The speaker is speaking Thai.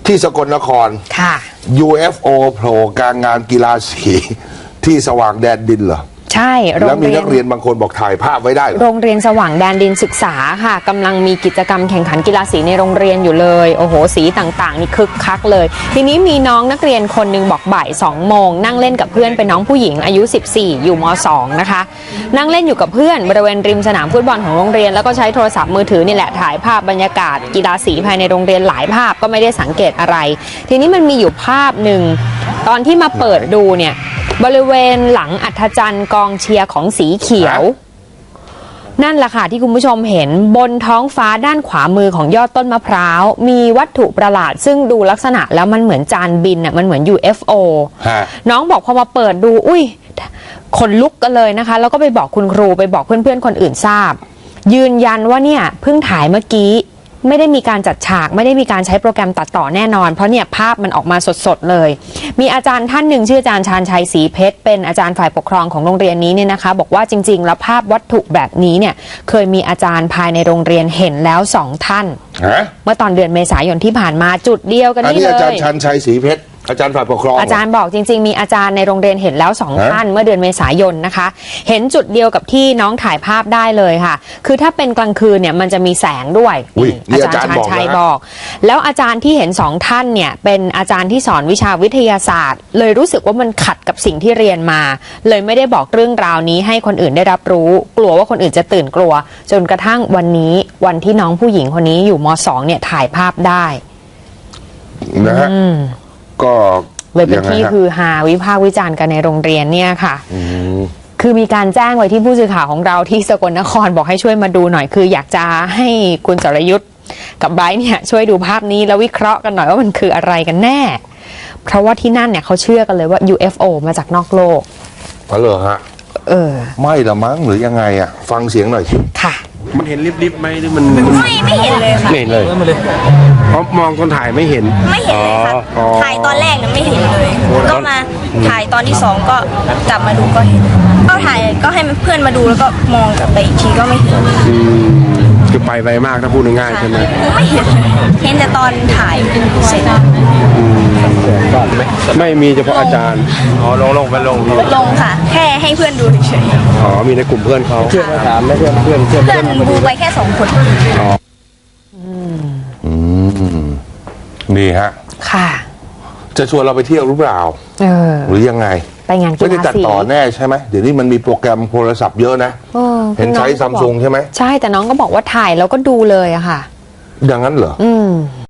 ที่สกลนครค่ะ UFO โผล่กลางงานกีฬาสีที่สว่างแดนดินเหรอใช่แล้วมีนักเรียนบางคนบอกถ่ายภาพไว้ได้โรงเรียนสว่างแดนดินศึกษาค่ะกำลังมีกิจกรรมแข่งขันกีฬาสีในโรงเรียนอยู่เลยโอ้โหสีต่างๆนี่คึกคักเลยทีนี้มีน้องนักเรียนคนหนึ่งบอกบ่าย2 โมงนั่งเล่นกับเพื่อนเป็นน้องผู้หญิงอายุ14อยู่ม2นะคะนั่งเล่นอยู่กับเพื่อนบริเวณริมสนามฟุตบอลของโรงเรียนแล้วก็ใช้โทรศัพท์มือถือนี่แหละถ่ายภาพบรรยากาศกีฬาสีภายในโรงเรียนหลายภาพก็ไม่ได้สังเกตอะไรทีนี้มันมีอยู่ภาพหนึ่งตอนที่มาเปิดดูเนี่ยบริเวณหลังอัฐจันทร์กองเชียร์ของสีเขียวนั่นแหละค่ะที่คุณผู้ชมเห็นบนท้องฟ้าด้านขวามือของยอดต้นมะพร้าวมีวัตถุประหลาดซึ่งดูลักษณะแล้วมันเหมือนจานบินอ่ะมันเหมือน UFO น้องบอกพอมาเปิดดูอุ้ยขนลุกกันเลยนะคะแล้วก็ไปบอกคุณครูไปบอกเพื่อนๆคนอื่นทราบยืนยันว่าเนี่ยเพิ่งถ่ายเมื่อกี้ไม่ได้มีการจัดฉากไม่ได้มีการใช้โปรแกรมตัดต่อแน่นอนเพราะเนี่ยภาพมันออกมาสดๆเลยมีอาจารย์ท่านหนึ่งชื่ออาจารย์ชาญชัยศรีเพชรเป็นอาจารย์ฝ่ายปกครองของโรงเรียนนี้เนี่ยนะคะบอกว่าจริงๆแล้วภาพวัตถุแบบนี้เนี่ยเคยมีอาจารย์ภายในโรงเรียนเห็นแล้ว2 ท่านเมื่อตอนเดือนเมษายนที่ผ่านมาจุดเดียวกันนี่เลยอาจารย์ชาญชัยศรีเพชรอาจารย์ฝ่ายปกครองอาจารย์บอกจริงๆมีอาจารย์ในโรงเรียนเห็นแล้ว2 ท่านเมื่อเดือนเมษายนนะคะเห็นจุดเดียวกับที่น้องถ่ายภาพได้เลยค่ะคือถ้าเป็นกลางคืนเนี่ยมันจะมีแสงด้วยอาจารย์ชาญชัยบอกแล้วอาจารย์ที่เห็น2 ท่านเนี่ยเป็นอาจารย์ที่สอนวิชาวิทยาศาสตร์เลยรู้สึกว่ามันขัดกับสิ่งที่เรียนมาเลยไม่ได้บอกเรื่องราวนี้ให้คนอื่นได้รับรู้กลัวว่าคนอื่นจะตื่นกลัวจนกระทั่งวันนี้วันที่น้องผู้หญิงคนนี้อยู่ม.2 เนี่ยถ่ายภาพได้นะฮะก็เลยเป็นที่คือฮาวิพากษ์วิจารณ์กันในโรงเรียนเนี่ยค่ะคือมีการแจ้งไว้ที่ผู้สื่อข่าวของเราที่สกลนครบอกให้ช่วยมาดูหน่อยคืออยากจะให้คุณสรยุทธ์กับไบรท์เนี่ยช่วยดูภาพนี้แล้ววิเคราะห์กันหน่อยว่ามันคืออะไรกันแน่เพราะว่าที่นั่นเนี่ยเขาเชื่อกันเลยว่า UFO มาจากนอกโลกอ๋อเหรอฮะไม่ละมั้งหรือยังไงอ่ะฟังเสียงหน่อยสิค่ะมันเห็นริบๆไหมหรือมันไม่เห็นเลยค่ะไม่เห็นเลยเพราะมองคนถ่ายไม่เห็นไม่เห็นเลยค่ะถ่ายตอนแรกเนี่ยไม่เห็นเลยก็มาถ่ายตอนที่2ก็กลับมาดูก็เห็นก็ถ่ายก็ให้เพื่อนมาดูแล้วก็มองกลับไปอีกทีก็ไม่เห็นคือไปไวมากถ้าพูดง่ายๆใช่ไหมไม่เห็นเห็นแต่ตอนถ่ายเสร็จไม่มีเฉพาะอาจารย์อ๋อลงค่ะแค่ให้เพื่อนดูเฉยอ๋อมีในกลุ่มเพื่อนเขาเพื่อนมาถามแล้วเพื่อนดูไปแค่2 คนอ๋อนี่ฮะค่ะจะชวนเราไปเที่ยวหรือเปล่าหรือยังไงไปงานกีฬาสีไม่ได้ตัดต่อแน่ใช่ไหมเดี๋ยวนี้มันมีโปรแกรมโทรศัพท์เยอะนะเห็นใช้ซัมซุงใช่ไหมใช่แต่น้องก็บอกว่าถ่ายแล้วก็ดูเลยอะค่ะอย่างนั้นเหรอ